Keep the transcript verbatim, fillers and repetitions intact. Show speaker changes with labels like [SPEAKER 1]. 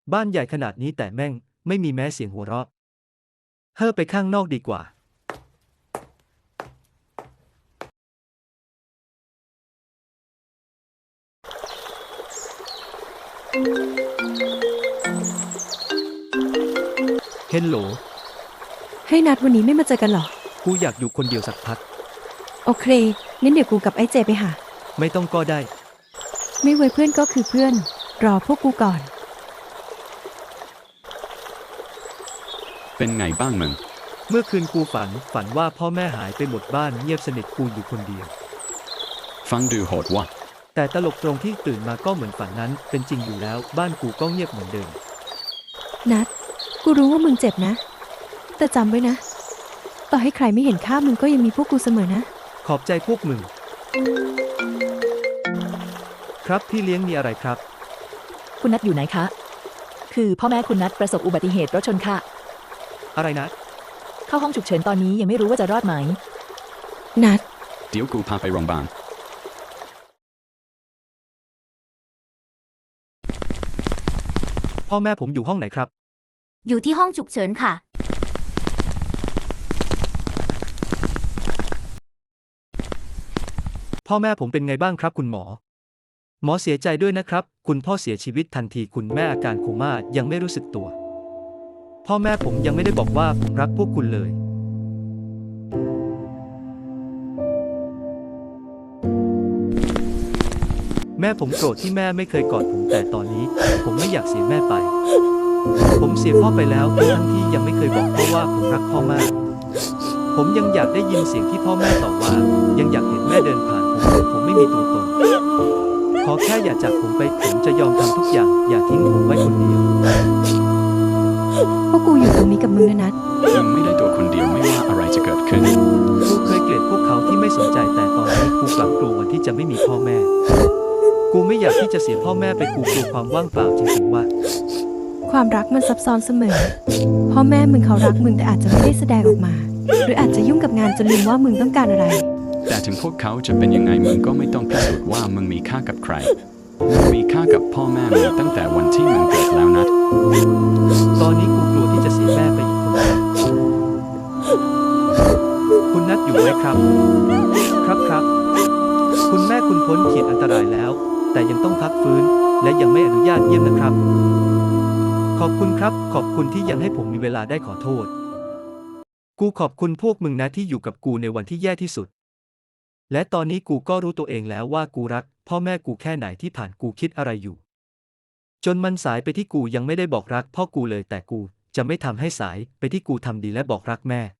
[SPEAKER 1] บ้านใหญ่ขนาดนี้แต่แม่งไม่มีแม้เสียงหัวเราะเฮ้อไปข้างนอกดีกว่าเฮลโหล
[SPEAKER 2] ให้นัดวันนี้ไม่มาเจอกันหรอ
[SPEAKER 1] กูอยากอยู่คนเดียวสักพัก
[SPEAKER 2] โอเคงั้นเดี๋ยวกูกับไอ้เจไปหา
[SPEAKER 1] ไม่ต้องก็ได้
[SPEAKER 2] ไม่ไว้เพื่อนก็คือเพื่อนรอพวกกูก่อน
[SPEAKER 3] เป็นไงบ้างมึง
[SPEAKER 1] เมื่อคืนกูฝันฝันว่าพ่อแม่หายไปหมดบ้านเงียบสนิทกูอยู่คนเดียว
[SPEAKER 3] ฟังดูโหดว่ะ
[SPEAKER 1] แต่ตลกตรงที่ตื่นมาก็เหมือนฝันนั้นเป็นจริงอยู่แล้วบ้านกูก็เงียบเหมือนเดิม
[SPEAKER 2] นัดกูรู้ว่ามึงเจ็บนะแต่จำไว้นะต่อให้ใครไม่เห็นค่ามึงก็ยังมีพวกกูเสมอนะ
[SPEAKER 1] ขอบใจพวกมึงครับพี่เลี้ยงมีอะไรครับ
[SPEAKER 4] คุณนัทอยู่ไหนคะคือพ่อแม่คุณนัทประสบอุบัติเหตุรถชนค่ะ
[SPEAKER 1] อะไรนะ
[SPEAKER 4] เข้าห้องฉุกเฉินตอนนี้ยังไม่รู้ว่าจะรอดไหม
[SPEAKER 2] นัท
[SPEAKER 3] เดี๋ยวกูพาไปโรงพยาบาล
[SPEAKER 1] พ่อแม่ผมอยู่ห้องไหนครับ
[SPEAKER 5] อยู่ที่ห้องฉุกเฉินค่ะ
[SPEAKER 1] พ่อแม่ผมเป็นไงบ้างครับคุณหมอหมอเสียใจด้วยนะครับคุณพ่อเสียชีวิตทันทีคุณแม่อาการโคม่ายังไม่รู้สึกตัวพ่อแม่ผมยังไม่ได้บอกว่าผมรักพวกคุณเลยแม่ผมโกรธที่แม่ไม่เคยกอดผมแต่ตอนนี้ผมไม่อยากเสียแม่ไปผมเสียพ่อไปแล้วทั้งที่ยังไม่เคยบอกพ่อว่าผมรักพ่อมากผมยังอยากได้ยินเสียงที่พ่อแม่ต่อว่ายังอยากเห็นแม่เดินผ่านผมผมไม่มีตัวตนขอแค่อย่าจากผมไปผมจะยอมทำทุกอย่างอย่าทิ้งผมไว้คนเดียว
[SPEAKER 2] พวกกูอยู่ตรงนี้กับมึงนะนัท
[SPEAKER 3] มึงไม่ได้ตัวคนเดียวไม่ว่าอะไรจะเกิดขึ้น
[SPEAKER 1] กูเคยเกลียดพวกเขาที่ไม่สนใจแต่ตอนนี้กูกลับกลัววันที่จะไม่มีพ่อแม่กูไม่อยากที่จะเสียพ่อแม่ไปกูกลัวความว่างเปล่าจริงๆว่า
[SPEAKER 2] ความรักมันซับซ้อนเสมอพ่อแม่มึงเขารักมึงแต่อาจจะไม่ได้แสดงออกมาหรืออาจจะยุ่งกับงานจนลืมว่ามึงต้องการอะไร
[SPEAKER 3] แต่ถึงพวกเขาจะเป็นยังไงมึงก็ไม่ต้องพิสูจน์ว่ามึงมีค่ากับใครมึงมีค่ากับพ่อแม่มึงตั้งแต่วันที่มึงเกิดแล้วนะ
[SPEAKER 1] ตอนนี้กูกลัวที่จะเสียแม่ไปอีกคนคุณนัทอยู่ไหมครับครับครับคุณแม่คุณพ้นขีดอันตรายแล้วแต่ยังต้องพักฟื้นและยังไม่อนุญาตเยี่ยมนะครับขอบคุณครับขอบคุณที่ยังให้ผมมีเวลาได้ขอโทษกูขอบคุณพวกมึงนะที่อยู่กับกูในวันที่แย่ที่สุดและตอนนี้กูก็รู้ตัวเองแล้วว่ากูรักพ่อแม่กูแค่ไหนที่ผ่านกูคิดอะไรอยู่จนมันสายไปที่กูยังไม่ได้บอกรักพ่อกูเลยแต่กูจะไม่ทำให้สายไปที่กูทำดีและบอกรักแม่